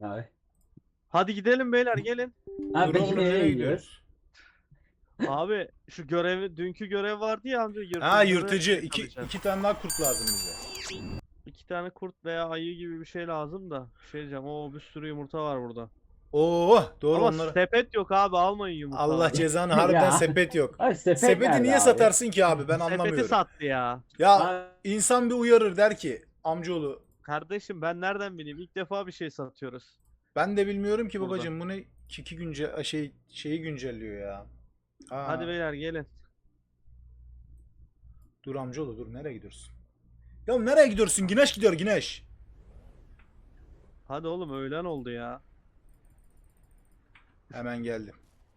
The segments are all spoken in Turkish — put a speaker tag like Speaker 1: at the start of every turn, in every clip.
Speaker 1: Abi.
Speaker 2: Hadi gidelim beyler gelin.
Speaker 1: Abi
Speaker 3: Dur
Speaker 1: peki
Speaker 3: oğlum
Speaker 1: nereye
Speaker 3: nereye
Speaker 1: gidiyoruz?
Speaker 3: gidiyoruz?
Speaker 2: Abi şu görevi, dünkü görev vardı ya amca,
Speaker 3: Ha
Speaker 2: yırtıcıları
Speaker 3: yırtıcı.
Speaker 2: yakalayacağız.
Speaker 3: İki tane daha kurt lazım bize.
Speaker 2: 2 tane kurt veya ayı gibi bir şey lazım da. Bir şey diyeceğim. Oo, bir sürü yumurta var burada.
Speaker 3: Oo doğru
Speaker 2: Ama
Speaker 3: onları.
Speaker 2: sepet yok abi, almayın
Speaker 3: Allah
Speaker 2: yumurtaları.
Speaker 3: cezanı harbiden
Speaker 1: Ya.
Speaker 3: sepet yok.
Speaker 1: Abi sepet
Speaker 3: Sepeti
Speaker 1: nerede
Speaker 3: niye
Speaker 1: abi?
Speaker 3: satarsın ki abi ben
Speaker 2: Sepeti
Speaker 3: anlamıyorum.
Speaker 2: sattı ya.
Speaker 3: Ya
Speaker 1: Abi,
Speaker 3: insan bir uyarır der ki amcaoğlu
Speaker 2: Kardeşim ben nereden bileyim? İlk defa bir şey satıyoruz.
Speaker 3: ben de bilmiyorum ki
Speaker 2: Burada.
Speaker 3: babacığım bu ne kiki şeyi güncelliyor ya. Ha,
Speaker 2: Hadi beyler gelin.
Speaker 3: dur amcaoğlu dur nereye gidiyorsun? Ya nereye gidiyorsun? Güneş gidiyor güneş.
Speaker 2: Hadi oğlum, öğlen oldu ya.
Speaker 3: Hemen geldim.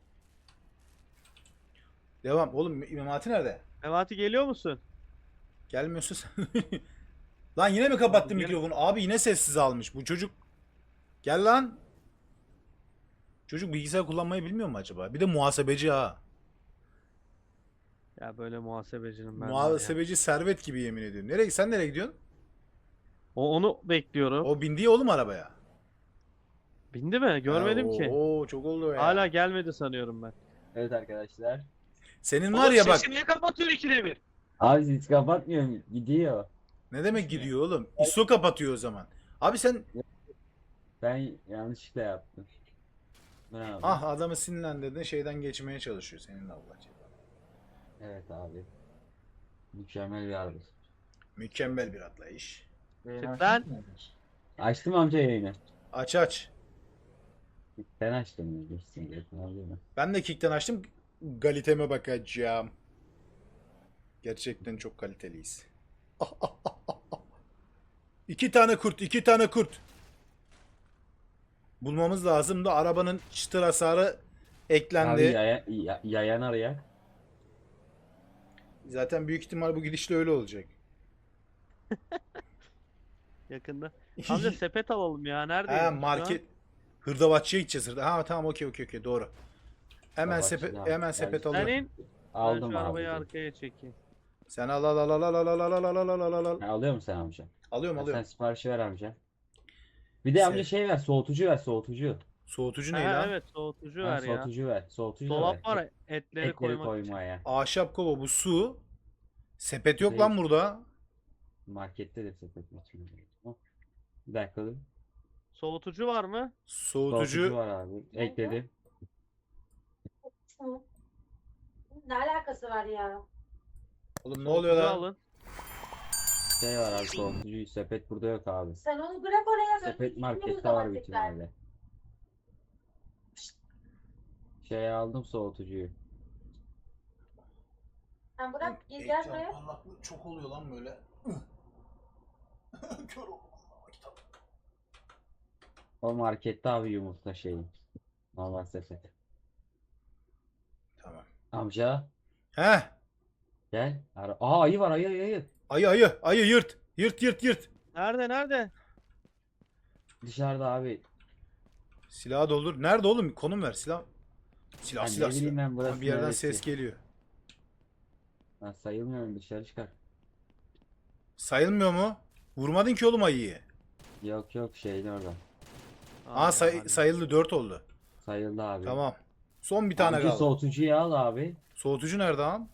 Speaker 3: Devam. Oğlum Memati nerede?
Speaker 2: Memati geliyor musun?
Speaker 3: Gelmiyorsun sen. Lan yine mi kapattın
Speaker 2: Abi gel.
Speaker 3: mikrofonu? Abi yine sessiz almış. Bu çocuk. Gel lan. Çocuk bilgisayar kullanmayı bilmiyor mu acaba? Bir de muhasebeci ha.
Speaker 2: Ya böyle muhasebecinin ben var ya.
Speaker 3: Muhasebeci servet gibi yemin ediyorum. Sen nereye gidiyorsun?
Speaker 2: Onu bekliyorum.
Speaker 3: O bindi ya oğlum arabaya.
Speaker 2: Bindi mi? Görmedim ki.
Speaker 3: Oo çok oldu o ya.
Speaker 2: Hala gelmedi sanıyorum ben.
Speaker 1: evet arkadaşlar.
Speaker 3: Senin var ya bak.
Speaker 2: niye kapatıyor ikide bir?
Speaker 1: Abi hiç kapatmıyor. Gidiyor.
Speaker 3: Ne demek gidiyor oğlum? ISO kapatıyor o zaman. Abi sen
Speaker 1: Ben yanlışlıkla yaptım. Bravo.
Speaker 3: ah adamı sinirlendirdin şeyden geçmeye çalışıyor senin Allah cezanı.
Speaker 1: Evet abi. Mükemmel bir araba.
Speaker 3: Mükemmel bir atlayış.
Speaker 2: Ben
Speaker 1: Açtım amca yayını.
Speaker 3: Aç aç.
Speaker 1: Sen açtın mı? Geçsin geçsin alıyor mu?
Speaker 3: Ben de Kick'ten açtım. Kaliteme bakacağım. Gerçekten çok kaliteliyiz. İki tane kurt, iki tane kurt. Bulmamız lazım da arabanın çıtır hasarı eklendi.
Speaker 1: Abi yayan arayak.
Speaker 3: Zaten büyük ihtimal bu gidişle öyle olacak.
Speaker 2: yakında. Amca sepet alalım ya. Neredeyiz
Speaker 3: Ha
Speaker 2: biz şu
Speaker 3: market hırdavatçıya gideceğiz. Ha tamam okey doğru. Hemen
Speaker 1: Hırdavatçı
Speaker 3: sepet
Speaker 1: da-
Speaker 3: hemen
Speaker 1: Yani-
Speaker 3: sepet
Speaker 2: an? Sen
Speaker 3: alıyorum.
Speaker 2: in. Ben
Speaker 1: Aldım
Speaker 2: şu arabayı
Speaker 1: abi.
Speaker 2: arkaya çekeyim.
Speaker 3: Sen al.
Speaker 1: Ha, alıyor musun sen amca?
Speaker 3: Alıyorum
Speaker 1: Ha, sen
Speaker 3: alıyorum.
Speaker 1: siparişi ver amca. Bir de amca şey ver, soğutucu ver, soğutucu.
Speaker 3: Soğutucu ne
Speaker 2: Ha,
Speaker 3: lan?
Speaker 2: evet, soğutucu
Speaker 1: Ha,
Speaker 2: ver ya.
Speaker 1: soğutucu ver, soğutucu da ver.
Speaker 2: Dolap var ya, etleri
Speaker 1: Etleri
Speaker 2: koymak için.
Speaker 1: koymaya.
Speaker 3: Ahşap kova bu su. Sepet yok
Speaker 1: Değil.
Speaker 3: lan burada.
Speaker 1: Markette de sepet için. Bir dakika dur.
Speaker 2: Soğutucu var mı?
Speaker 1: Soğutucu
Speaker 3: Soğutucu.
Speaker 1: var abi. Ekledim.
Speaker 4: Ne alakası var ya?
Speaker 3: Oğlum ne oluyor
Speaker 2: Soğutucu
Speaker 3: lan?
Speaker 2: alın.
Speaker 1: Şey var abi soğutucu. Sepet burada yok abi.
Speaker 4: Sen onu bırak oraya.
Speaker 1: Sepet
Speaker 4: o
Speaker 1: markette
Speaker 4: zaman
Speaker 1: var büyük
Speaker 4: tekrar.
Speaker 1: ihtimalle. Şey aldım soğutucuyu.
Speaker 4: Sen bırak gel
Speaker 3: Ekran
Speaker 4: buraya.
Speaker 3: parlaklığı çok oluyor lan böyle. Kör oldum. Kitap.
Speaker 1: O markette abi yumurta şeyi. Normal sepet.
Speaker 3: Tamam.
Speaker 1: Amca
Speaker 3: Heh.
Speaker 1: gel. Aa ayı var ayı.
Speaker 3: Ayı yırt. Yırt.
Speaker 2: Nerede?
Speaker 1: Dışarıda abi.
Speaker 3: Silahı doldur. Nerede oğlum? Konum ver. Silah
Speaker 1: Ben
Speaker 3: silah
Speaker 1: ne bileyim
Speaker 3: silah.
Speaker 1: ben burası
Speaker 3: Ha, bir yerden
Speaker 1: neresi?
Speaker 3: ses geliyor.
Speaker 1: Ben sayılmıyorum dışarı çıkar.
Speaker 3: Sayılmıyor mu? Vurmadın ki oğlum ayıyı.
Speaker 1: Yok şeyin orada.
Speaker 3: Aa sayıldı 4 oldu.
Speaker 1: Sayıldı abi.
Speaker 3: Tamam. Son bir tane
Speaker 1: Amca
Speaker 3: kaldı.
Speaker 1: soğutucuyu al abi.
Speaker 3: Soğutucu nerede lan?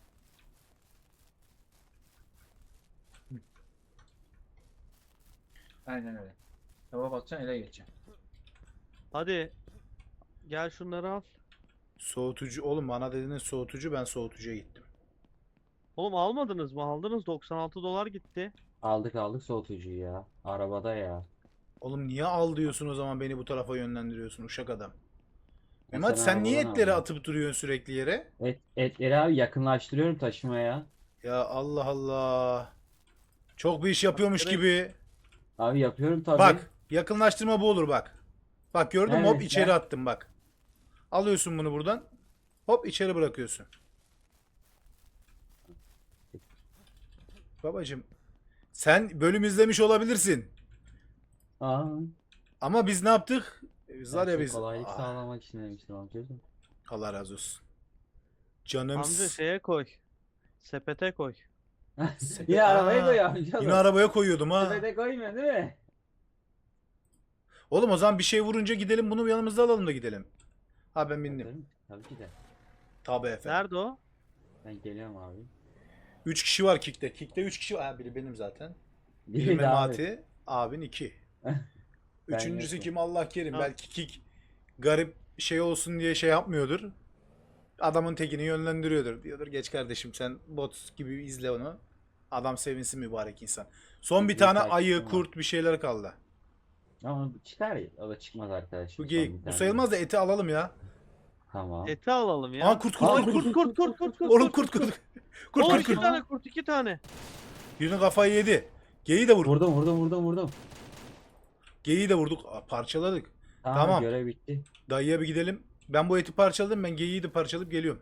Speaker 5: Aynen öyle. Tava batacaksın ele geçeceksin.
Speaker 2: Hadi. Gel şunları al.
Speaker 3: Soğutucu oğlum bana dediğiniz soğutucu ben soğutucuya gittim.
Speaker 2: Oğlum almadınız mı? Aldınız, 96 dolar gitti.
Speaker 1: Aldık soğutucuyu ya. Arabada ya.
Speaker 3: Oğlum niye al diyorsun o zaman beni bu tarafa yönlendiriyorsun uşak adam.
Speaker 1: Ya
Speaker 3: Mehmet sen niye
Speaker 1: arabadan
Speaker 3: etleri
Speaker 1: aldın.
Speaker 3: atıp duruyorsun sürekli yere?
Speaker 1: Etleri abi yakınlaştırıyorum taşımaya.
Speaker 3: Ya Allah Allah. Çok bir iş yapıyormuş
Speaker 2: Direkt-
Speaker 3: gibi.
Speaker 1: Abi yapıyorum tabii.
Speaker 3: Bak yakınlaştırma bu olur bak. Bak gördün mü hop
Speaker 1: Evet,
Speaker 3: içeri
Speaker 1: ben-
Speaker 3: attım bak. Alıyorsun bunu buradan. Hop içeri bırakıyorsun. Babacım sen bölüm izlemiş olabilirsin.
Speaker 1: Aa,
Speaker 3: Ama biz ne yaptık? Biz var ya biz.
Speaker 1: kolaylık
Speaker 3: Ah,
Speaker 1: sağlamak için demiştim amcacığım.
Speaker 3: Allah razı olsun. Canım.
Speaker 2: Amca şeye koy. Sepete koy.
Speaker 1: Yine arabaya
Speaker 3: Aa,
Speaker 1: koy amca.
Speaker 3: Yine arabaya koyuyordum ha.
Speaker 1: Sepete koymuyor değil mi?
Speaker 3: Oğlum o zaman bir şey vurunca gidelim bunu yanımızda alalım da gidelim. Ha ben bindim.
Speaker 1: Tabii ki de.
Speaker 3: Tabii efendim.
Speaker 2: Nerede o?
Speaker 1: Ben geliyorum abi.
Speaker 3: 3 kişi var Kick'te. Kick'te 3 kişi var. Ha, biri benim zaten. Biri
Speaker 1: Biri de abi.
Speaker 3: Memati. Abin 2.
Speaker 1: Ben
Speaker 3: Üçüncüsü
Speaker 1: yokum.
Speaker 3: kim Allah kerim.
Speaker 2: Ha.
Speaker 3: Belki Kick garip şey olsun diye şey yapmıyordur. Adamın tekini yönlendiriyordur. Diyordur geç kardeşim sen bot gibi izle onu. Adam sevinsin mübarek insan. Son bir
Speaker 1: Bir
Speaker 3: tane
Speaker 1: takipçim
Speaker 3: ayı,
Speaker 1: var.
Speaker 3: kurt bir şeyler kaldı.
Speaker 1: Ama bu çıkar ya. O da çıkmaz arkadaşım.
Speaker 3: Bu
Speaker 1: Son
Speaker 3: geyik.
Speaker 1: bir
Speaker 3: Bu
Speaker 1: tane.
Speaker 3: sayılmaz da eti alalım ya.
Speaker 1: Tamam.
Speaker 2: Eti alalım ya.
Speaker 3: Aa kurt kurt
Speaker 2: Ay,
Speaker 3: kurt kurt.
Speaker 2: kurt.
Speaker 3: Oğlum kurt kurt. Kurt
Speaker 2: Oo,
Speaker 3: kurt
Speaker 2: iki
Speaker 3: kurt.
Speaker 2: tane kurt, 2 tane.
Speaker 3: Birinin kafayı yedi. Geyiği de vurduk.
Speaker 1: Vurdum.
Speaker 3: Geyiği de vurduk. Aa, parçaladık.
Speaker 1: Tamam,
Speaker 3: Tamam.
Speaker 1: görev bitti.
Speaker 3: Dayıya bir gidelim. Ben bu eti parçaladım. Ben geyiği de parçalayıp geliyorum.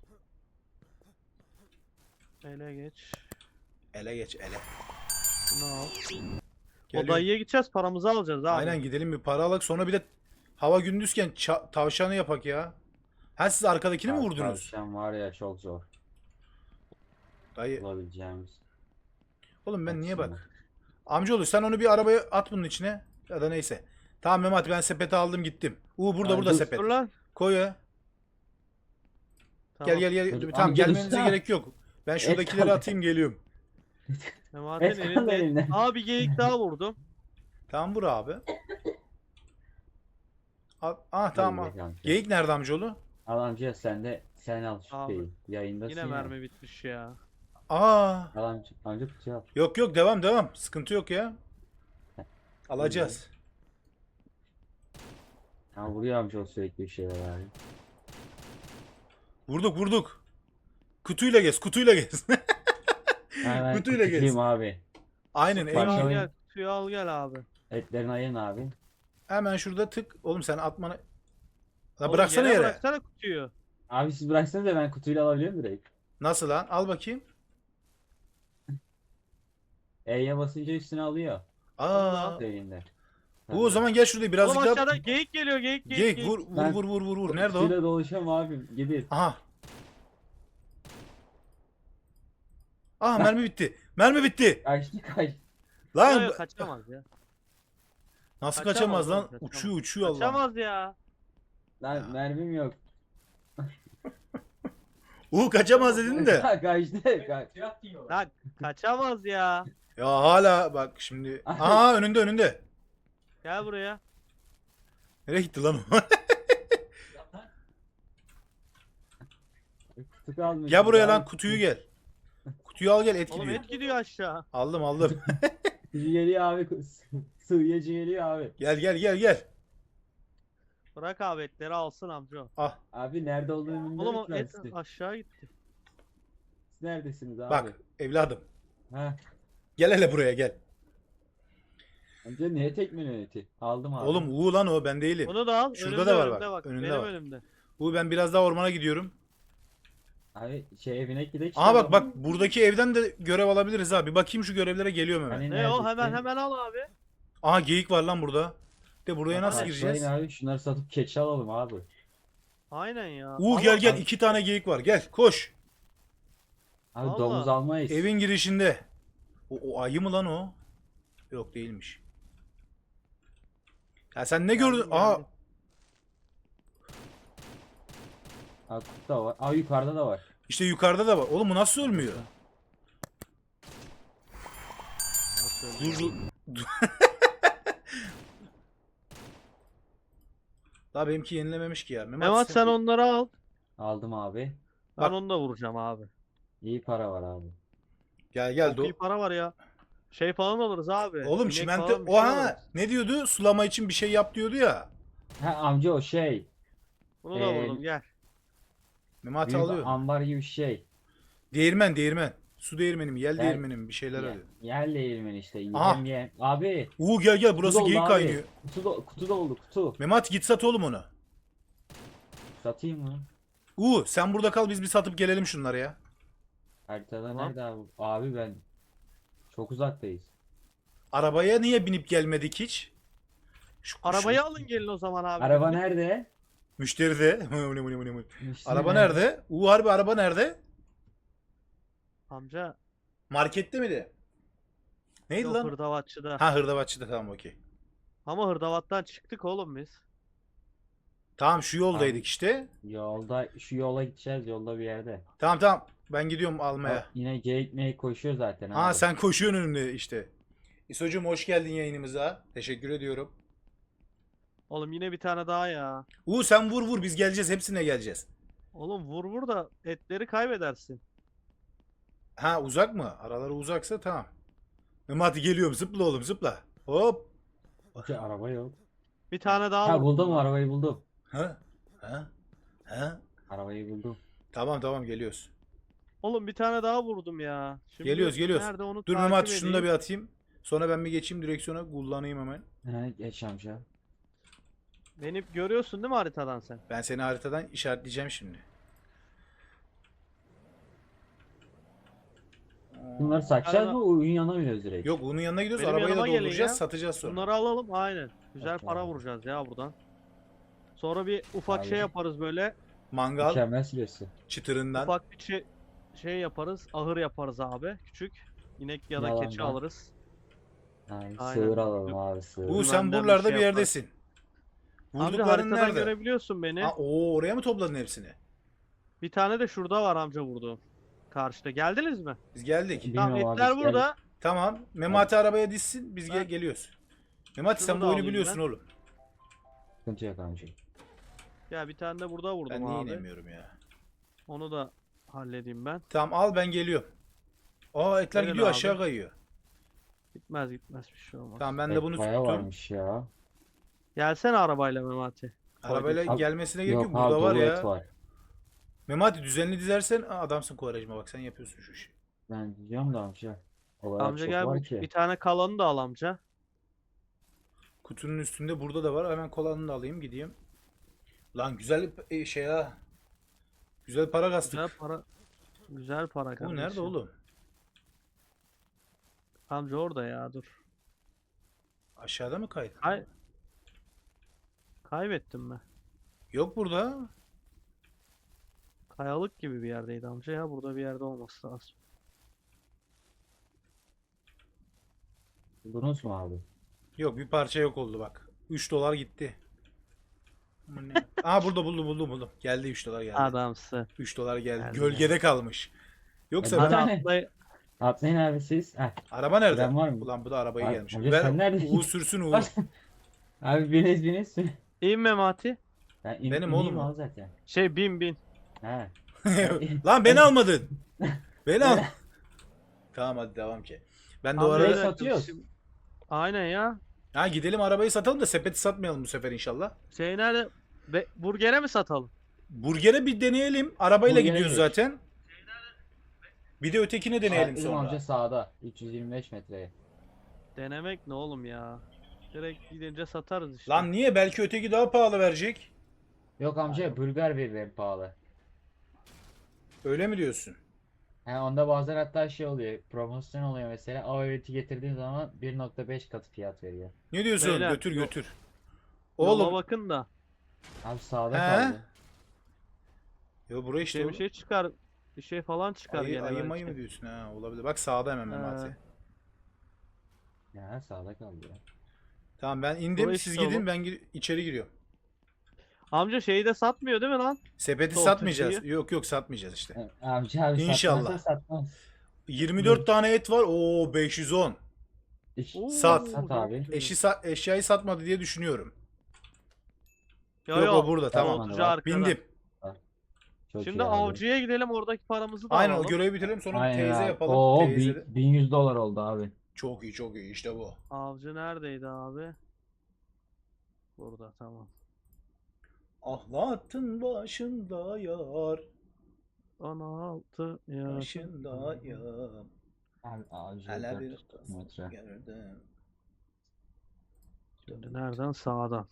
Speaker 2: Ele geç.
Speaker 3: Ele geç ele.
Speaker 2: Bunu al. O
Speaker 3: Geliyorum.
Speaker 2: dayıya gideceğiz, paramızı alacağız abi.
Speaker 3: Aynen gidelim bir para alak. Sonra bir de hava gündüzken tavşanı yapak ya. Ha siz arkadakini mi
Speaker 1: Abi,
Speaker 3: vurdunuz?
Speaker 1: tavşan var ya çok zor
Speaker 3: Dayı.
Speaker 1: bulabileceğimiz.
Speaker 3: Oğlum ben niye
Speaker 1: Baksana.
Speaker 3: bak. Amcaoğlu sen onu bir arabaya at bunun içine. Ya da neyse. Tamam Mehmet ben sepeti aldım gittim. Burada
Speaker 1: Ay,
Speaker 3: burada
Speaker 1: dur.
Speaker 3: sepet.
Speaker 2: Dur lan.
Speaker 3: Koy ya.
Speaker 2: Tamam.
Speaker 3: Gel.
Speaker 1: Dur,
Speaker 3: Tamam
Speaker 1: amca
Speaker 3: gelmenize
Speaker 1: dursana.
Speaker 3: gerek yok. Ben şuradakileri
Speaker 1: kaldı.
Speaker 3: atayım geliyorum.
Speaker 2: Memati'nin
Speaker 1: Et kaldı
Speaker 2: elinde.
Speaker 1: elinde.
Speaker 2: Aa, bir geyik daha vurdum.
Speaker 3: Tamam bura abi. Tamam.
Speaker 1: Geyik amca.
Speaker 3: Geyik nerede amcaoğlu?
Speaker 1: Al amca sen al şu
Speaker 2: Abi,
Speaker 1: şeyi. Yayındasın
Speaker 2: Yine
Speaker 1: ya.
Speaker 2: mermi bitmiş ya.
Speaker 3: Aa.
Speaker 1: Al amca kutuyu al.
Speaker 3: Yok devam. Sıkıntı yok ya. Alacağız.
Speaker 1: Ha, vuruyor amca o sürekli bir şeyler abi.
Speaker 3: Vurduk. Kutuyla gez.
Speaker 1: Hemen
Speaker 3: Kutuyla
Speaker 1: kutucuyum
Speaker 3: gez.
Speaker 1: abi.
Speaker 3: Aynen
Speaker 1: Bak,
Speaker 2: Suyu al
Speaker 1: Parçalayın.
Speaker 2: gel. Suyu al gel abi.
Speaker 1: Etlerini ayırın abi.
Speaker 3: hemen şurada tık. Oğlum sen atmanı. La
Speaker 2: Oğlum,
Speaker 3: bıraksana yere.
Speaker 2: Bıraksana kutuyu.
Speaker 1: Abi siz bıraksanız da ben kutuyla alabiliyorum direkt.
Speaker 3: Nasıl lan? Al bakayım.
Speaker 1: E'ye basınca üstüne alıyor.
Speaker 3: Aa.
Speaker 1: Elinde.
Speaker 3: Bu o zaman gel şurada birazcık
Speaker 2: Oğlum
Speaker 3: daha.
Speaker 2: aşağıda geyik geliyor, geyik.
Speaker 3: Geyik vur. Nerede o?
Speaker 1: Kutuyla dolaşıyorum abi. Gidin.
Speaker 3: Aha. Mermi bitti.
Speaker 1: Kaçtı.
Speaker 3: Lan
Speaker 2: Yok, kaçamaz ya.
Speaker 3: nasıl
Speaker 2: kaçamaz
Speaker 3: kaçamaz lan?
Speaker 2: oğlum, kaçamaz.
Speaker 3: Uçuyor Allah.
Speaker 2: Kaçamaz ya.
Speaker 1: Lan mermim yok.
Speaker 3: Kaçamaz dedin de.
Speaker 1: Kaçtı.
Speaker 5: Fiyat diyor.
Speaker 2: Lan kaçamaz ya.
Speaker 3: Ya hala bak şimdi. Önünde.
Speaker 2: Gel buraya.
Speaker 3: Nereye gitti lan o?
Speaker 1: Kutu kalmış.
Speaker 3: Gel buraya lan
Speaker 1: Abi,
Speaker 3: kutuyu gel. Kutuyu al gel et
Speaker 2: Oğlum
Speaker 3: gidiyor.
Speaker 2: et gidiyor aşağı.
Speaker 3: Aldım.
Speaker 1: Kutucu geliyor abi. Sığıyacı geliyor abi.
Speaker 3: Gel.
Speaker 2: Bırak abi, etleri alsın amca.
Speaker 3: Ah
Speaker 1: Abi nerede olduğunu
Speaker 2: Oğlum
Speaker 1: bilmiyorum
Speaker 2: o
Speaker 1: ki ben
Speaker 2: et
Speaker 1: size.
Speaker 2: aşağı gitti.
Speaker 1: Siz neredesiniz abi?
Speaker 3: bak evladım.
Speaker 1: Ha.
Speaker 3: Gel hele buraya gel.
Speaker 1: Amca niye tekmeni eti? Aldım abi.
Speaker 3: Oğlum lan o ben değilim.
Speaker 2: Onu da al.
Speaker 3: Şurada
Speaker 2: Önümde,
Speaker 3: da var
Speaker 2: önümde
Speaker 3: bak, önünde
Speaker 2: Benim
Speaker 3: var.
Speaker 2: önümde.
Speaker 3: Ben biraz daha ormana gidiyorum.
Speaker 1: Abi evine gidelim.
Speaker 3: Bak buradaki evden de görev alabiliriz ha. Bir bakayım şu görevlere geliyorum hemen.
Speaker 1: Hani
Speaker 2: Ne o?
Speaker 1: neredesin?
Speaker 2: Hemen al abi.
Speaker 3: Aha geyik var lan burada. De buraya nasıl
Speaker 1: Başlayın
Speaker 3: gireceğiz?
Speaker 1: abi şunları satıp keçi alalım abi.
Speaker 2: Aynen ya.
Speaker 3: Gel 2 tane geyik var. Gel koş.
Speaker 1: Abi
Speaker 2: Vallahi.
Speaker 1: domuz almayız.
Speaker 3: Evin girişinde. O ayı mı lan o? Yok değilmiş. Ya sen ne gördün?
Speaker 2: geldim.
Speaker 1: Abi kutu da var. Aa yukarıda da var.
Speaker 3: İşte yukarıda da var. Oğlum bu nasıl ölmüyor? Dur. Daha benimki yenilememiş ki ya.
Speaker 2: Mehmet sen onları al.
Speaker 1: Aldım abi.
Speaker 2: Ben
Speaker 3: Bak.
Speaker 2: onu da vuracağım abi.
Speaker 1: İyi para var abi.
Speaker 3: Gel.
Speaker 2: Çok iyi para var ya. Şey falan alırız abi.
Speaker 3: Oğlum
Speaker 2: İnek
Speaker 3: çimento.
Speaker 2: falan bir şey alırız.
Speaker 3: Ne diyordu? Sulama için bir şey yap diyordu ya.
Speaker 1: Ha amca o şey.
Speaker 2: Bunu da vurdum gel.
Speaker 3: Memati
Speaker 1: Büyük
Speaker 3: alıyor.
Speaker 1: ambar gibi bir şey.
Speaker 3: Değirmen. Su değirmeni mi? Yel
Speaker 1: Gel.
Speaker 3: değirmeni mi? Bir şeyler alıyor.
Speaker 1: Yer değirmeni işte.
Speaker 3: Aha.
Speaker 1: Yem. Abi.
Speaker 3: Gel burası
Speaker 1: doldu
Speaker 3: geyik
Speaker 1: abi.
Speaker 3: kaynıyor.
Speaker 1: Kutu doldu kutu.
Speaker 3: Memati git sat oğlum onu.
Speaker 1: Satayım mı?
Speaker 3: Sen burada kal biz bir satıp gelelim şunları ya.
Speaker 1: Haritada
Speaker 2: Tamam.
Speaker 1: nerede abi? Abi ben çok uzaktayız.
Speaker 3: Arabaya niye binip gelmedik hiç?
Speaker 2: Arabayı alın gelin o zaman abi.
Speaker 1: Araba nerede?
Speaker 3: Müşteri de.
Speaker 1: İşte
Speaker 3: Araba nerede? Harbi araba nerede?
Speaker 2: Amca.
Speaker 3: Markette miydi? Neydi
Speaker 2: Yok,
Speaker 3: lan?
Speaker 2: hırdavatçıda.
Speaker 3: Hırdavatçıda tamam okey.
Speaker 2: Ama Hırdavat'tan çıktık oğlum biz.
Speaker 3: Tamam şu yoldaydık
Speaker 1: Abi.
Speaker 3: işte.
Speaker 1: Yolda şu yola gideceğiz yolda bir yerde.
Speaker 3: Tamam tamam. Ben gidiyorum almaya.
Speaker 1: Bak, yine geyik meyik koşuyor zaten
Speaker 3: Ha
Speaker 1: abi.
Speaker 3: sen koşuyorsun önümde işte. İsocuğum hoş geldin yayınımıza. Teşekkür ediyorum.
Speaker 2: Oğlum yine bir tane daha ya.
Speaker 3: Sen vur vur biz geleceğiz. Hepsine geleceğiz.
Speaker 2: Oğlum vur vur da etleri kaybedersin.
Speaker 3: Ha uzak mı? Araları uzaksa tamam. Hadi geliyorum. Zıpla oğlum zıpla. Hop.
Speaker 1: Araba yok.
Speaker 2: Bir tane daha
Speaker 1: Ha
Speaker 2: vurdum
Speaker 1: buldum
Speaker 2: lan.
Speaker 1: arabayı buldum.
Speaker 3: Ha? Ha? Ha?
Speaker 1: Arabayı buldum.
Speaker 3: Tamam tamam geliyoruz.
Speaker 2: Oğlum bir tane daha vurdum ya. Şimdi
Speaker 3: Geliyoruz geliyoruz.
Speaker 2: nerede onu
Speaker 3: Dur
Speaker 2: takip
Speaker 3: Mehmet şunu da
Speaker 2: edeyim.
Speaker 3: bir atayım. Sonra ben bir geçeyim direksiyona kullanayım hemen.
Speaker 1: He geç amca.
Speaker 2: Beni görüyorsun değil mi haritadan sen?
Speaker 3: Ben seni haritadan işaretleyeceğim şimdi.
Speaker 1: Bunları satacağız
Speaker 2: Arada-
Speaker 1: mı? Oyun yanına mı direkt?
Speaker 3: Yok bunun yanına gidiyoruz.
Speaker 2: Benim
Speaker 3: Arabayı da
Speaker 2: yanıma gelin
Speaker 3: dolduracağız.
Speaker 2: ya.
Speaker 3: Satacağız sonra.
Speaker 2: Bunları alalım aynen. Güzel
Speaker 1: Okey
Speaker 2: para
Speaker 1: abi.
Speaker 2: vuracağız ya buradan. Sonra bir ufak
Speaker 1: Abi.
Speaker 2: şey yaparız böyle.
Speaker 3: Mangal
Speaker 1: Mükemmel süresi.
Speaker 3: çıtırından.
Speaker 2: Ufak bir şey yaparız. Ahır yaparız abi. Küçük. İnek ya da keçi
Speaker 1: Yalandan.
Speaker 2: alırız.
Speaker 1: Yani
Speaker 2: Aynen.
Speaker 1: sığır alalım abi sığır.
Speaker 3: Bu sen
Speaker 2: Benden bir
Speaker 3: buralarda
Speaker 2: şey
Speaker 3: bir yerdesin.
Speaker 2: Amca
Speaker 3: Vurdukların
Speaker 2: haritadan
Speaker 3: nerede?
Speaker 2: görebiliyorsun beni.
Speaker 3: Ha, oraya mı topladın hepsini?
Speaker 2: Bir tane de şurada var amca vurduğum. Karşıda. Geldiniz mi?
Speaker 3: Biz geldik.
Speaker 1: Bilmiyorum
Speaker 2: Tamam
Speaker 1: abi,
Speaker 2: etler
Speaker 1: biz
Speaker 2: burada.
Speaker 3: Tamam. Memati arabaya dizsin. Biz
Speaker 2: Ben-
Speaker 3: geliyoruz. Memati sen
Speaker 2: Şunu
Speaker 3: bu
Speaker 2: da
Speaker 3: oyunu
Speaker 2: alayım
Speaker 3: biliyorsun
Speaker 2: ben.
Speaker 3: oğlum.
Speaker 1: Sıkıntı yok amca.
Speaker 2: Ya bir tane de burada vurdum
Speaker 3: Ben niye
Speaker 2: abi.
Speaker 3: inemiyorum ya?
Speaker 2: Onu da halledeyim ben.
Speaker 3: Tamam al ben geliyorum. Aa etler
Speaker 2: Verin
Speaker 3: gidiyor
Speaker 2: abi.
Speaker 3: aşağı kayıyor.
Speaker 2: Gitmez bir şey olmaz.
Speaker 3: Tamam ben de
Speaker 1: Evet,
Speaker 3: bunu
Speaker 1: bayağı
Speaker 3: tuttum.
Speaker 1: varmış ya.
Speaker 2: Gelsene arabayla Memati.
Speaker 3: Arabayla
Speaker 1: Abi-
Speaker 3: gelmesine gerek yok.
Speaker 1: Yok abi
Speaker 3: Burada var
Speaker 1: dolu
Speaker 3: ya.
Speaker 1: et var.
Speaker 3: Memati düzenli dizersen adamsın Kovarejma bak sen yapıyorsun şu işi.
Speaker 1: Ben diyeceğim da amca. O kadar
Speaker 2: Amca
Speaker 1: çok
Speaker 2: gel
Speaker 1: var
Speaker 2: bir
Speaker 1: ki.
Speaker 2: tane kalanı da al amca.
Speaker 3: Kutunun üstünde burada da var. Hemen kolanını da alayım gideyim. Lan güzel şey ha. Güzel para kastık.
Speaker 2: Güzel para. Güzel para
Speaker 3: Bu
Speaker 2: kardeşim.
Speaker 3: nerede oğlum?
Speaker 2: Amca orada ya dur.
Speaker 3: Aşağıda mı kaydı?
Speaker 2: Kaybettim mi?
Speaker 3: Yok burada.
Speaker 2: Kayalık gibi bir yerdeydi amca ya. Burada bir yerde olması lazım.
Speaker 1: Buldunuz mu abi?
Speaker 3: Yok bir parça yok oldu bak. 3 dolar gitti. Aman ne? Aa burada buldum. Geldi 3 dolar geldi.
Speaker 2: Adamsı.
Speaker 3: 3 dolar geldi.
Speaker 2: Geldi.
Speaker 3: Gölgede kalmış. Yoksa
Speaker 1: Hadi
Speaker 3: ben...
Speaker 1: abi.
Speaker 2: Atlay
Speaker 1: Atlayın abi siz. Heh.
Speaker 3: Araba nerede?
Speaker 1: Bilen var mı?
Speaker 3: Ulan bu da arabaya
Speaker 1: Abi,
Speaker 3: gelmiş.
Speaker 1: hoca
Speaker 3: Ver
Speaker 1: sen neredesin?
Speaker 3: Uğur sürsün Uğur.
Speaker 1: Abi biniz.
Speaker 2: İn Memati.
Speaker 1: Ben
Speaker 3: Benim
Speaker 1: ineyim
Speaker 3: oğlum o.
Speaker 1: abi zaten.
Speaker 2: Şey bin.
Speaker 1: He.
Speaker 3: Lan beni almadın. Beni al. Tamam hadi devam ki. Ben de o
Speaker 2: Amca
Speaker 3: arada...
Speaker 2: bir dakika,
Speaker 1: satıyoruz.
Speaker 2: Aynen ya.
Speaker 3: Ha gidelim arabayı satalım da sepeti satmayalım bu sefer inşallah.
Speaker 2: Şey nerede? Burger'e mi satalım?
Speaker 3: Burger'e bir deneyelim. Arabayla
Speaker 1: Burger'e
Speaker 3: gidiyoruz
Speaker 1: geç.
Speaker 3: zaten. Bir de ötekine deneyelim
Speaker 1: Bizim
Speaker 3: sonra.
Speaker 1: amca sağda. 325 metreye.
Speaker 2: Denemek ne oğlum ya? Direkt gidince satarız işte.
Speaker 3: Lan niye? Belki öteki daha pahalı verecek.
Speaker 1: Yok amca Bulgar verir en pahalı.
Speaker 3: Öyle mi diyorsun?
Speaker 1: He onda bazen hatta şey oluyor. Promosyon oluyor mesela. O üreti getirdiğin zaman 1.5 katı fiyat veriyor.
Speaker 3: Ne diyorsun?
Speaker 2: Beyler,
Speaker 3: Götür
Speaker 2: yok.
Speaker 3: götür.
Speaker 2: Yola
Speaker 3: Oğlum.
Speaker 2: bakın da.
Speaker 1: Abi sağda
Speaker 3: He?
Speaker 1: kaldı.
Speaker 3: Yo buraya işte.
Speaker 2: Bir
Speaker 3: oğlum.
Speaker 2: şey çıkar. Bir şey falan çıkar
Speaker 3: Ayı,
Speaker 2: gene
Speaker 3: ayı
Speaker 2: belki.
Speaker 3: mayı mı diyorsun ha? Olabilir. Bak sağda hemen Memati.
Speaker 1: Ya sağda kaldı ya.
Speaker 3: Tamam ben indim.
Speaker 2: Buraya
Speaker 3: Siz
Speaker 2: işte
Speaker 3: gidin
Speaker 2: oğlum.
Speaker 3: ben içeri giriyorum.
Speaker 2: Amca şeyi de satmıyor değil mi lan?
Speaker 3: Sepeti
Speaker 2: Sol
Speaker 3: satmayacağız.
Speaker 2: tırtıyı.
Speaker 3: Yok satmayacağız işte.
Speaker 1: Amca abi
Speaker 3: İnşallah.
Speaker 1: satmazsa satmaz.
Speaker 3: 24 tane et var. Oo 510.
Speaker 2: Oo,
Speaker 3: Sat.
Speaker 1: Sat abi.
Speaker 3: Eşyayı satmadı diye düşünüyorum.
Speaker 2: Yo,
Speaker 3: Yok
Speaker 2: yo.
Speaker 3: o burada tamam.
Speaker 1: Tamam,
Speaker 2: Soğutucu arkada.
Speaker 3: Bindim.
Speaker 1: Çok
Speaker 2: Şimdi
Speaker 1: iyi abi.
Speaker 2: avcıya gidelim oradaki paramızı da
Speaker 3: Aynen o
Speaker 2: alalım.
Speaker 3: görevi bitirelim sonra
Speaker 1: Aynen
Speaker 3: teyze
Speaker 1: abi.
Speaker 3: yapalım.
Speaker 1: Oo,
Speaker 3: Teyze de-
Speaker 1: 1100 dolar oldu abi.
Speaker 3: Çok iyi işte bu.
Speaker 2: Avcı neredeydi abi? Burada tamam.
Speaker 3: Ahlatın başında yar.
Speaker 2: 16 ya.
Speaker 3: Başında yar.
Speaker 1: Abi ağacı
Speaker 3: Hele bir
Speaker 1: 400 metre.
Speaker 3: gelirdim.
Speaker 2: Şimdi nereden? Sağdan.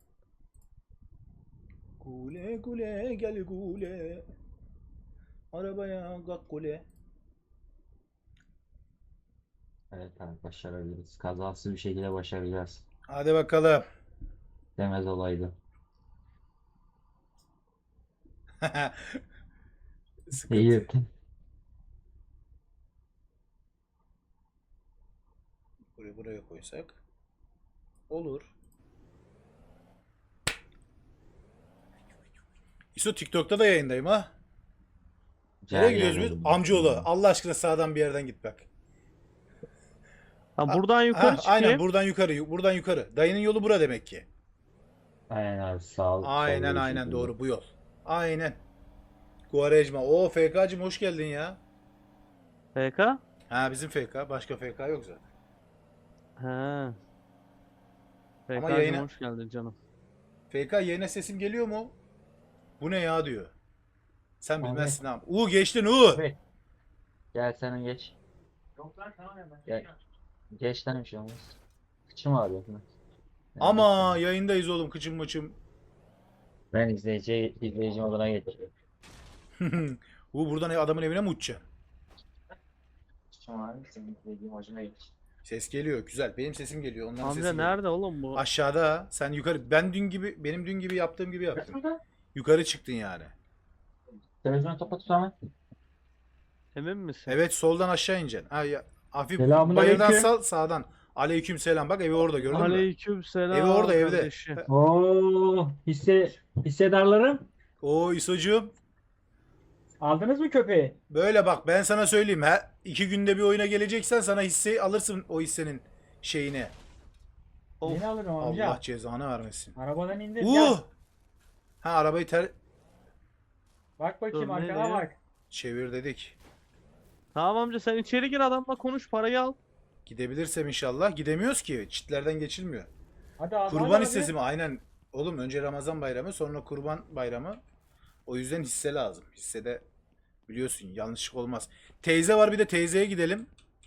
Speaker 3: Gule gule gel gule. Arabaya kalk gule.
Speaker 1: Evet abi başarabiliriz. Kazasız bir şekilde başaracağız.
Speaker 3: Hadi bakalım.
Speaker 1: Demez olaydı.
Speaker 3: Sıkıntı.
Speaker 1: İyi.
Speaker 3: Buraya koysak. Olur. İso TikTok'ta da yayındayım ha.
Speaker 1: Güzel
Speaker 3: Nereye gidiyoruz biz?
Speaker 1: yerlere
Speaker 3: Amcaoğlu. Allah aşkına sağdan bir yerden git bak.
Speaker 2: Ha buradan yukarı çıkayım.
Speaker 3: Aynen buradan yukarı. Buradan yukarı. Dayının yolu bura demek ki.
Speaker 1: Aynen abi sağ ol.
Speaker 3: Aynen
Speaker 1: solda
Speaker 3: aynen
Speaker 1: bir
Speaker 3: doğru bu yol. Aynen. Guarejma. Oo FK'cım hoş geldin ya.
Speaker 2: FK?
Speaker 3: Ha bizim FK. Başka FK yok zaten.
Speaker 2: He.
Speaker 3: Ama
Speaker 2: FK'cım
Speaker 3: yayına-
Speaker 2: hoş geldin canım.
Speaker 3: FK yayına sesim geliyor mu? Bu ne ya diyor. Sen
Speaker 1: Abi.
Speaker 3: bilmezsin abi. Geçtin U.
Speaker 1: Evet. Gel sen geç.
Speaker 5: Yok lan tamam ya ben.
Speaker 1: Gel. Geç lan bir şey olmaz. Kıçım ağrıyor. Yani
Speaker 3: Ama yayındayız oğlum kıçım mıçım.
Speaker 1: ben izleyici moduna geçiyorum.
Speaker 3: Buradan adamın evine mi uçacaksın?
Speaker 1: Kıçım ağrıyor. Senin izleyici moduna geç.
Speaker 3: Ses geliyor güzel. Benim sesim geliyor. Onların
Speaker 2: Amca
Speaker 3: sesi geliyor.
Speaker 2: nerede oğlum bu?
Speaker 3: Aşağıda. Sen yukarı. Benim dün gibi yaptığım gibi yaptın. Yukarı çıktın yani.
Speaker 1: Televizyonu kapat hemen.
Speaker 2: Emin misin?
Speaker 3: Evet soldan aşağı ineceksin. Hafif
Speaker 1: Selamünaleyküm.
Speaker 3: bayırdan sal sağdan. Aleyküm selam. Bak evi orada gördün mü?
Speaker 2: Aleyküm selam.
Speaker 3: Evi orada, evde.
Speaker 2: kardeşim.
Speaker 6: Oo, hissedarlarım.
Speaker 3: Oo İsocuğum.
Speaker 6: Aldınız mı köpeği?
Speaker 3: Böyle bak ben sana söyleyeyim. 2 günde bir oyuna geleceksen sana hisse alırsın o hissenin şeyini.
Speaker 2: Of.
Speaker 6: Yeni alırım amca.
Speaker 3: Allah cezanı vermesin.
Speaker 6: Arabadan indir. Gel.
Speaker 3: Ha arabayı
Speaker 6: Bak bakayım
Speaker 2: Dur,
Speaker 6: arkana
Speaker 2: nereye?
Speaker 6: bak.
Speaker 3: çevir dedik.
Speaker 2: Tamam amca sen içeri gir adamla konuş parayı al.
Speaker 3: Gidebilirsem inşallah. Gidemiyoruz ki. Çitlerden geçilmiyor.
Speaker 6: Hadi abi.
Speaker 3: Kurban
Speaker 6: hadi
Speaker 3: hissesi mi? Aynen. Oğlum önce Ramazan bayramı sonra kurban bayramı. O yüzden hisse lazım. Hissede biliyorsun yanlışlık olmaz. Teyze var bir de teyzeye gidelim.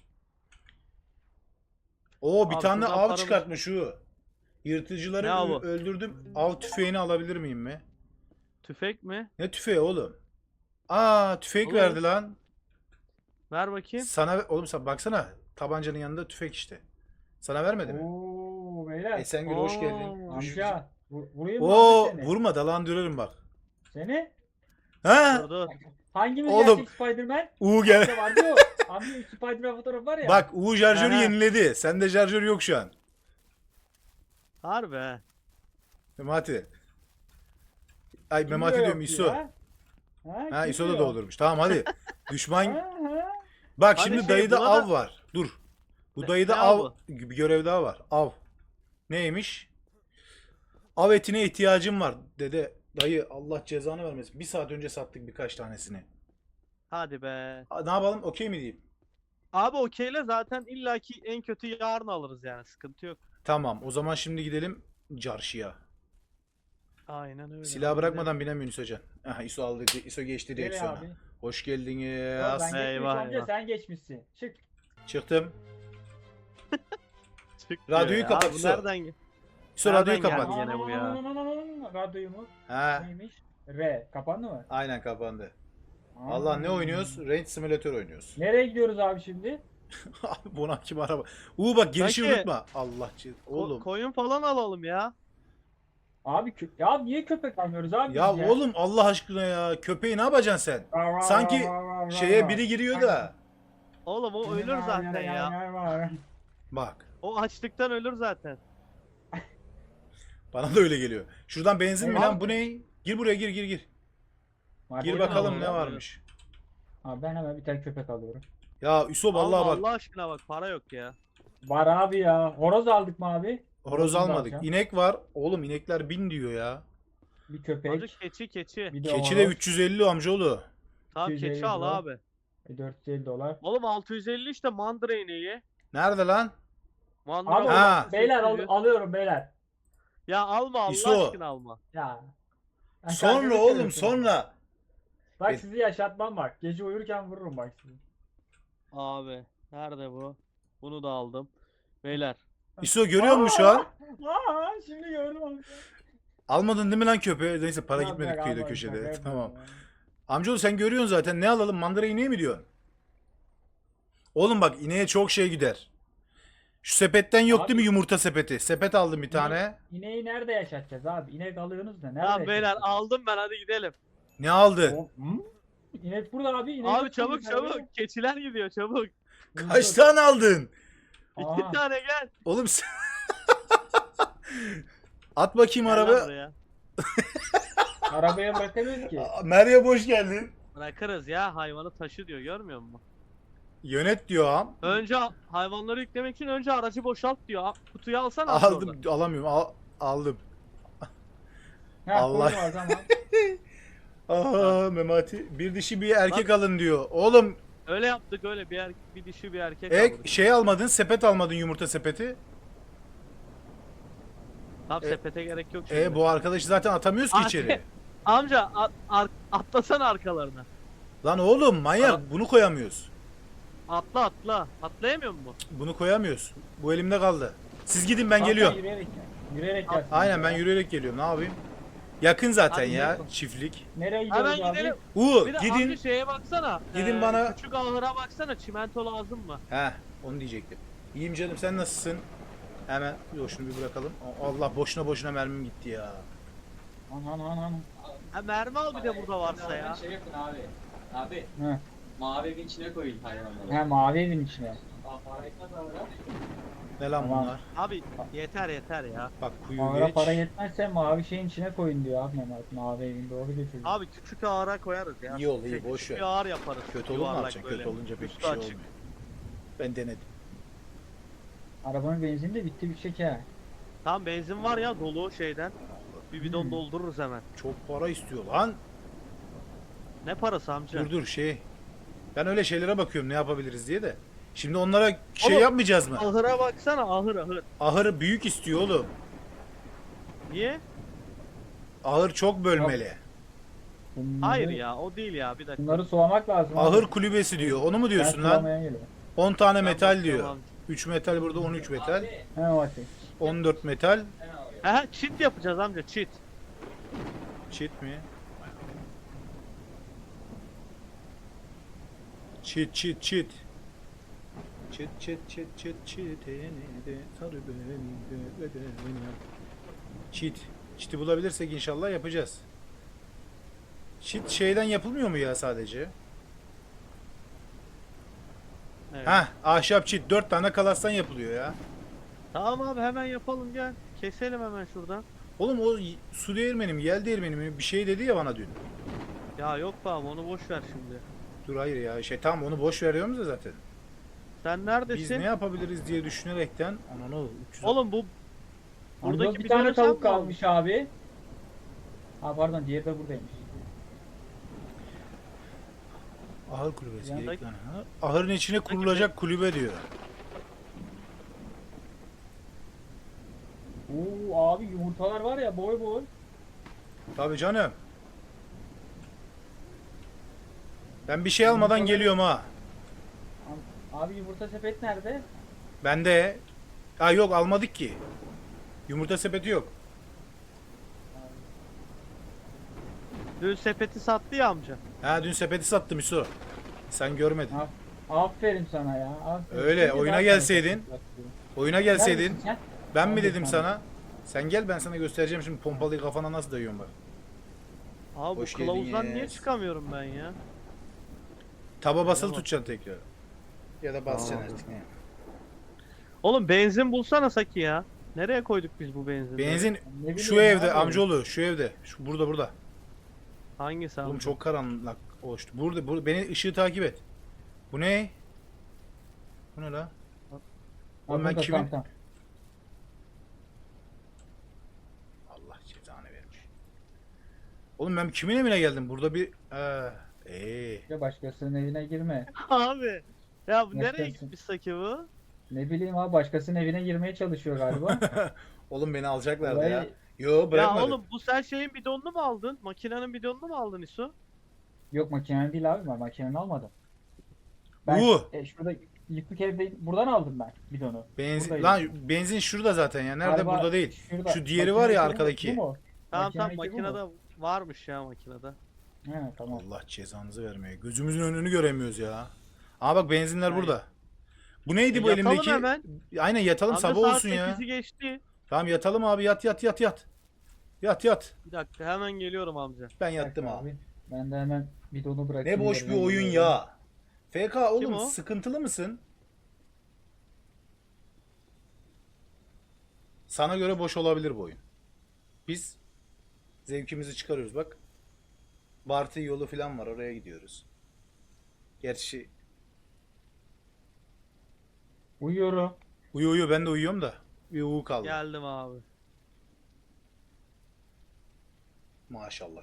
Speaker 3: Oo bir
Speaker 2: Abi
Speaker 3: tane
Speaker 2: şuradan
Speaker 3: av
Speaker 2: paramız-
Speaker 3: çıkartmış şu. Yırtıcıları
Speaker 2: Ne avı?
Speaker 3: öldürdüm. Av tüfeğini alabilir miyim mi?
Speaker 2: Tüfek mi?
Speaker 3: Ne tüfeği oğlum? Aa tüfek
Speaker 2: Oğlum.
Speaker 3: verdi lan.
Speaker 2: Ver bakayım.
Speaker 3: Sana oğlum sen baksana tabancanın yanında tüfek işte. Sana vermedi mi?
Speaker 6: Oo beyler.
Speaker 3: Esengül hoş
Speaker 2: Oo.
Speaker 3: geldin.
Speaker 6: Amca. Vurayım mı
Speaker 3: Oo
Speaker 6: amca seni?
Speaker 3: vurma dalandırırım bak.
Speaker 6: Seni?
Speaker 3: Ha?
Speaker 2: Dur dur.
Speaker 6: Hangimiz
Speaker 3: Oğlum.
Speaker 6: gerçek Spider-Man?
Speaker 3: Gel.
Speaker 6: Amca vardı o. Amca Spider-Man fotoğrafı var ya.
Speaker 3: Bak şarjörü
Speaker 2: Aha.
Speaker 3: yeniledi. Sende şarjör yok şu an.
Speaker 2: Harbi. he.
Speaker 3: Memati. Ay
Speaker 6: Kim
Speaker 3: Memati
Speaker 6: diyor
Speaker 3: diyorum
Speaker 6: yok
Speaker 3: İso.
Speaker 6: ya? Ha,
Speaker 3: Ha
Speaker 6: kim
Speaker 3: İso da
Speaker 6: diyor?
Speaker 3: doldurmuş. Tamam hadi. Düşman.
Speaker 6: Ha, ha.
Speaker 3: Bak
Speaker 2: Hani
Speaker 3: şimdi
Speaker 2: şey,
Speaker 3: dayıda
Speaker 2: buna
Speaker 3: av
Speaker 2: da-
Speaker 3: var. Dur. Bu
Speaker 2: Ne-
Speaker 3: dayıda
Speaker 2: ne
Speaker 3: av
Speaker 2: avı?
Speaker 3: bir görev daha var. Av. Neymiş? Av etine ihtiyacım var dedi. Dayı Allah cezanı vermesin. Bir saat önce sattık birkaç tanesini.
Speaker 2: Hadi be.
Speaker 3: Ne yapalım? Okey mi diyeyim?
Speaker 2: Abi okeyle zaten illaki en kötü yarın alırız yani sıkıntı yok.
Speaker 3: Tamam. O zaman şimdi gidelim çarşıya.
Speaker 2: Aynen öyle.
Speaker 3: Silah
Speaker 2: Hadi
Speaker 3: bırakmadan binemiyorsun İso can. Aha İso aldı. İso geçti
Speaker 6: Nereye
Speaker 3: direksiyona.
Speaker 6: abi?
Speaker 3: Hoş
Speaker 6: Yok,
Speaker 3: geldiniz.
Speaker 6: ben geçmişim
Speaker 2: Eyvah,
Speaker 6: amca
Speaker 2: eyvah.
Speaker 6: sen geçmişsin. Çık.
Speaker 3: Çıktım.
Speaker 2: gidelim. Çık
Speaker 3: Radyoyu
Speaker 2: diyor ya.
Speaker 3: kapat,
Speaker 2: Abi bu
Speaker 3: İso.
Speaker 2: nereden gel-
Speaker 3: İso
Speaker 2: Nereden
Speaker 3: radyoyu
Speaker 2: geldi
Speaker 3: kapat.
Speaker 2: ya? Gene bu ya.
Speaker 6: Radyoyu mu?
Speaker 3: Ha,
Speaker 6: Neymiş? R. Kapandı mı?
Speaker 3: aynen kapandı.
Speaker 6: Aa.
Speaker 3: Allah ne oynuyoruz? Range Simulator oynuyoruz.
Speaker 6: Nereye gidiyoruz abi şimdi?
Speaker 3: Abi Bonak kim araba? Bak girişi
Speaker 2: Sanki-
Speaker 3: unutma. Allah oğlum.
Speaker 2: Koyun falan alalım ya.
Speaker 6: Abi ya niye köpek almıyoruz abi
Speaker 3: Ya
Speaker 6: biz
Speaker 3: oğlum Allah aşkına ya. Köpeği ne yapacaksın sen?
Speaker 6: Var, var,
Speaker 3: sanki
Speaker 6: var, var, var,
Speaker 3: Şeye
Speaker 6: var.
Speaker 3: biri giriyor da.
Speaker 2: Oğlum o ölür
Speaker 6: Var,
Speaker 2: zaten
Speaker 6: var,
Speaker 2: ya.
Speaker 6: var, var.
Speaker 3: Bak.
Speaker 2: O açlıktan ölür zaten.
Speaker 3: Bana da öyle geliyor. Şuradan benzin mi
Speaker 6: Ne
Speaker 3: lan?
Speaker 6: var?
Speaker 3: Bu ne? Gir buraya gir. Gir
Speaker 6: Markete
Speaker 3: bakalım
Speaker 2: alalım
Speaker 3: ne
Speaker 2: ya.
Speaker 3: varmış.
Speaker 6: Abi ben hemen bir tane köpek alıyorum.
Speaker 3: Ya Üsob
Speaker 2: Alma
Speaker 3: Allah bak.
Speaker 2: Allah aşkına bak para yok ya.
Speaker 6: Var abi ya. Horoz aldık mı abi?
Speaker 3: Horoz
Speaker 6: Horozunu da
Speaker 3: almadık.
Speaker 6: alacağım.
Speaker 3: İnek var. Oğlum inekler 1000 diyor ya.
Speaker 6: Bir köpek.
Speaker 2: Hadi keçi.
Speaker 6: Bir de
Speaker 3: Keçi de
Speaker 6: horoz.
Speaker 3: 350 amcaoğlu.
Speaker 2: Tamam
Speaker 6: 250
Speaker 2: keçi al
Speaker 6: dolar.
Speaker 2: abi.
Speaker 6: 450 dolar.
Speaker 2: Oğlum 650 işte mandıra ineği.
Speaker 3: Nerede lan?
Speaker 2: Mandıra
Speaker 6: Abi
Speaker 3: Ha.
Speaker 6: beyler
Speaker 2: 800.
Speaker 6: alıyorum beyler.
Speaker 2: Ya alma Allah
Speaker 3: İso.
Speaker 2: aşkına alma.
Speaker 6: Ya. Ben
Speaker 3: Sonra
Speaker 6: kendimi
Speaker 3: oğlum
Speaker 6: seviyorum.
Speaker 3: sonra.
Speaker 6: Bak sizi yaşatmam bak. Gece uyurken vururum bak sizi.
Speaker 2: Abi nerede bu? Bunu da aldım. Beyler.
Speaker 3: İso görüyor musun şu an?
Speaker 6: Aa, şimdi gördüm abi.
Speaker 3: Almadın değil mi lan köpeği? Neyse para
Speaker 6: Yok,
Speaker 3: gitmedik
Speaker 6: yok,
Speaker 3: kıyıda
Speaker 6: almadım,
Speaker 3: köşede.
Speaker 6: şaka yapıyorum
Speaker 3: Tamam.
Speaker 6: ya.
Speaker 3: Amcaoğlu sen görüyorsun zaten. Ne alalım? Mandıra ineği mi diyorsun? Oğlum bak ineğe çok şey gider. Şu sepetten yok
Speaker 6: Abi-
Speaker 3: değil mi yumurta sepeti? Sepet aldım bir tane.
Speaker 6: İneği nerede yaşatacağız abi? İnek alıyorsunuz da nerede
Speaker 2: Tamam beyler
Speaker 6: yaşatacağız?
Speaker 2: aldım ben hadi gidelim.
Speaker 3: Ne aldı?
Speaker 6: Hı? İnek burada abi. İnek
Speaker 2: Abi
Speaker 6: yok
Speaker 2: çabuk
Speaker 6: burada abi.
Speaker 2: çabuk. Keçiler gidiyor çabuk.
Speaker 3: Kaç tane aldın?
Speaker 6: Aha.
Speaker 2: 2 tane gel.
Speaker 3: Oğlum sen... At bakayım
Speaker 2: Gel lan
Speaker 3: araba.
Speaker 2: buraya.
Speaker 6: Arabaya bırakamıyoruz ki.
Speaker 3: Meryem hoş geldin.
Speaker 2: Bırakırız ya, hayvanı taşı diyor, görmüyor musun?
Speaker 3: Yönet diyor ağam.
Speaker 2: Önce hayvanları yüklemek için önce aracı boşalt diyor. Kutuyu alsana abi
Speaker 3: Aldım,
Speaker 2: oradan.
Speaker 3: alamıyorum. aldım.
Speaker 6: Ha,
Speaker 3: Allah.
Speaker 6: koyma o zaman.
Speaker 3: Aa Memati bir dişi bir erkek alın diyor. Oğlum
Speaker 2: Öyle yaptık, öyle bir dişi bir erkek aldık.
Speaker 3: şey almadın, sepet almadın, yumurta sepeti.
Speaker 2: Tam
Speaker 3: e-
Speaker 2: sepete gerek yok şimdi.
Speaker 3: Bu arkadaşı zaten atamıyoruz ki
Speaker 2: Abi.
Speaker 3: içeri.
Speaker 2: Amca atlasana arkalarına.
Speaker 3: Lan oğlum manyak,
Speaker 2: Aa.
Speaker 3: bunu koyamıyoruz.
Speaker 2: Atla. Atlayamıyor mu?
Speaker 3: Bunu koyamıyoruz. Bu elimde kaldı. Siz gidin, ben
Speaker 6: Tamam,
Speaker 3: geliyorum.
Speaker 6: sen Yürüyerek gel. Yürüyerek gel.
Speaker 3: Aynen, ben yürüyerek geliyorum. Ne yapayım? Yakın zaten
Speaker 2: Hadi
Speaker 3: ya
Speaker 2: gidelim.
Speaker 3: çiftlik.
Speaker 6: Nereye gidiyoruz
Speaker 2: Hemen
Speaker 6: abi?
Speaker 2: gidelim. Bir de
Speaker 3: Gidin.
Speaker 2: amca şeye baksana.
Speaker 3: Gidin bana-
Speaker 2: Küçük ahıra baksana, çimento lazım mı?
Speaker 3: He, onu diyecektim. İyiyim canım, sen nasılsın? Hemen yok, şunu bir bırakalım. Allah, boşuna mermim gitti ya.
Speaker 6: Aman.
Speaker 2: Ha, mermi al bir de burada varsa ya.
Speaker 5: Şey yapın abi. Abi
Speaker 6: He.
Speaker 5: mavi evin içine koyun hayvanları.
Speaker 6: He mavi evin içine.
Speaker 5: Aa, para etmez abi.
Speaker 3: Ne lan
Speaker 6: Tamam.
Speaker 3: bunlar?
Speaker 2: Abi yeter ya.
Speaker 3: Bak kuyu
Speaker 6: Ahıra
Speaker 3: geç.
Speaker 6: para yetmezse mavi şeyin içine koyun diyor abi Mehmet. Mavi evin doğru götürüyor.
Speaker 2: Abi küçük ahıra koyarız ya.
Speaker 3: İyi ol, iyi, boş
Speaker 2: küçük
Speaker 3: ver.
Speaker 2: bir ahır yaparız.
Speaker 3: Kötü olur mu
Speaker 2: Yuvarlak
Speaker 3: yapacaksın?
Speaker 2: böyle.
Speaker 3: Kötü olunca pek bir
Speaker 2: Üstü
Speaker 3: şey
Speaker 2: açık.
Speaker 3: olmuyor. Ben denedim.
Speaker 6: Arabanın benzini de bitti bir şeker.
Speaker 2: Tam benzin var ya, dolu şeyden. Bir bidon doldururuz hemen.
Speaker 3: Çok para istiyor lan.
Speaker 2: Ne parası amca?
Speaker 3: Dur şey. Ben öyle şeylere bakıyorum ne yapabiliriz diye de. Şimdi onlara şey
Speaker 2: Oğlum,
Speaker 3: yapmayacağız mı?
Speaker 2: Ahıra baksana, ahır.
Speaker 3: Ahır büyük istiyor oğlum.
Speaker 2: Niye?
Speaker 3: Ahır çok bölmeli.
Speaker 2: Hayır ya, o değil ya, bir dakika.
Speaker 6: Bunları sulamak lazım.
Speaker 3: Ahır
Speaker 6: abi.
Speaker 3: kulübesi diyor. Onu mu
Speaker 6: Ben
Speaker 3: diyorsun lan?
Speaker 6: sulamaya geliyorum.
Speaker 3: 10 tane
Speaker 2: Ben
Speaker 3: metal
Speaker 2: bakıyorum
Speaker 3: diyor.
Speaker 2: amca.
Speaker 3: 3 metal burada, 13 metal.
Speaker 6: He Mati.
Speaker 3: 14 metal.
Speaker 2: He, çit yapacağız amca, çit.
Speaker 3: Çit mi? Çit. Çit sarı beni. Çiti bulabilirsek inşallah yapacağız. Çit şeyden yapılmıyor mu ya sadece?
Speaker 2: Evet.
Speaker 3: Hah, ahşap çit 4 tane kalastan yapılıyor ya.
Speaker 2: Tamam abi, hemen yapalım, gel. Keselim hemen şuradan.
Speaker 3: Oğlum o su değirmeni mi, yel değirmeni mi bir şey dedi ya bana dün.
Speaker 2: Ya yok be abi, onu boş ver şimdi.
Speaker 3: Dur hayır ya, tamam onu boş veriyoruz da zaten.
Speaker 2: Sen
Speaker 3: Biz
Speaker 2: neredesin?
Speaker 3: ne yapabiliriz diye düşünerekten ananı 300.
Speaker 2: Oğlum bu
Speaker 6: Amca
Speaker 2: buradaki
Speaker 6: bir
Speaker 2: bidonu
Speaker 6: tane
Speaker 2: sen
Speaker 6: tavuk
Speaker 2: mi aldın?
Speaker 6: kalmış abi. Ha pardon, diğeri de buradaymış.
Speaker 3: Ahır kulübesi
Speaker 6: Yandaki-
Speaker 3: gerek lan. Ha? Ahırın içine kurulacak kulübe diyor.
Speaker 6: Oo abi yumurtalar var ya boy boy.
Speaker 3: Tabii canım. Ben bir şey almadan geliyorum ha.
Speaker 6: Abi yumurta sepet nerede?
Speaker 3: Bende. Ha yok, almadık ki. Yumurta sepeti yok.
Speaker 2: Dün sepeti sattı ya amca.
Speaker 3: Ha dün sepeti sattım Hüso. Sen görmedin.
Speaker 6: Ha, aferin sana ya. Aferin.
Speaker 3: Öyle,
Speaker 6: Şimdi
Speaker 3: oyuna
Speaker 6: daha
Speaker 3: gelseydin.
Speaker 6: sana satıyorum.
Speaker 3: Oyuna gelseydin.
Speaker 6: Neredesin sen?
Speaker 3: Ben mi
Speaker 6: Abi
Speaker 3: dedim
Speaker 6: sana.
Speaker 3: sana? Sen gel, ben sana göstereceğim şimdi pompalıyı kafana nasıl dayıyorum bak.
Speaker 2: Abi bu
Speaker 3: Hoş
Speaker 2: kılavuzdan niye
Speaker 3: geldiniz.
Speaker 2: çıkamıyorum ben ya?
Speaker 3: Taba basılı
Speaker 2: Tamam.
Speaker 3: tutacaksın tekrar. Ya da basacaksın
Speaker 2: Tamam.
Speaker 3: artık ne.
Speaker 2: Oğlum benzin bulsana Saki ya. Nereye koyduk biz bu benzinleri?
Speaker 3: Benzin
Speaker 6: Ne
Speaker 3: şu
Speaker 6: bileyim
Speaker 3: evde
Speaker 6: abi.
Speaker 3: amcaoğlu, şu evde. Şu burada.
Speaker 2: Hangisi
Speaker 3: Oğlum
Speaker 2: amca?
Speaker 3: çok karanlık oluştu. Burada beni ışığı takip et. Bu ne? Bu ne la?
Speaker 6: Ha,
Speaker 3: Oğlum ben
Speaker 6: burada,
Speaker 3: kimin?
Speaker 6: tamam.
Speaker 3: Allah cezanı vermiş. Oğlum ben kimin evine geldim? Burada bir
Speaker 6: Ya başkasının evine girme.
Speaker 2: Abi. Ya bu
Speaker 6: Ne
Speaker 2: nereye
Speaker 6: yapıyorsun?
Speaker 2: gitmiş Saki bu?
Speaker 6: Ne bileyim abi, başkasının evine girmeye çalışıyor galiba.
Speaker 3: Oğlum beni alacaklardı
Speaker 6: Olay-
Speaker 3: ya. Yo
Speaker 2: Ya
Speaker 3: bırakmadık.
Speaker 2: oğlum bu sen şeyin bidonunu mu aldın? Makinenin bidonunu mu aldın İso?
Speaker 6: Yok makinenin değil abi, ben makinenin almadım. Ben şurada yıkık evde buradan aldım ben bidonu.
Speaker 3: Benzin
Speaker 6: buradaydı.
Speaker 3: lan, benzin şurada zaten ya. Nerede?
Speaker 6: Galiba
Speaker 3: Burada değil.
Speaker 6: şurada.
Speaker 3: Şu diğeri var ya,
Speaker 6: Makinedeki bu mu?
Speaker 3: arkadaki.
Speaker 6: Bu mu?
Speaker 2: Tamam
Speaker 6: Makinedeki bu mu?
Speaker 2: makinede varmış ya makinede.
Speaker 6: He tamam.
Speaker 3: Allah cezanızı vermeye. Gözümüzün önünü göremiyoruz ya. Aa bak benzinler
Speaker 2: Hayır.
Speaker 3: burada. Bu neydi bu
Speaker 2: Yatalım
Speaker 3: elimdeki?
Speaker 2: hemen.
Speaker 3: Aynen yatalım,
Speaker 2: Amca
Speaker 3: sabah
Speaker 2: saat
Speaker 3: olsun ya.
Speaker 2: 8'i geçti.
Speaker 3: Tamam yatalım abi, yat. Yat.
Speaker 2: Bir dakika hemen geliyorum amca.
Speaker 3: Ben yattım
Speaker 6: Bak
Speaker 3: abi.
Speaker 6: Ben de hemen bidonu bırakayım.
Speaker 3: Ne boş bir
Speaker 6: yerine
Speaker 3: oyun
Speaker 6: gidiyorum.
Speaker 3: ya. FK oğlum
Speaker 2: o?
Speaker 3: sıkıntılı mısın? Sana göre boş olabilir bu oyun. Biz Zevkimizi çıkarıyoruz bak. Bartı yolu falan var, oraya gidiyoruz. Gerçi
Speaker 6: Uyuyorum.
Speaker 3: uyu ben de uyuyorum da. Bir uyu kaldı.
Speaker 2: Geldim abi.
Speaker 3: Maşallah.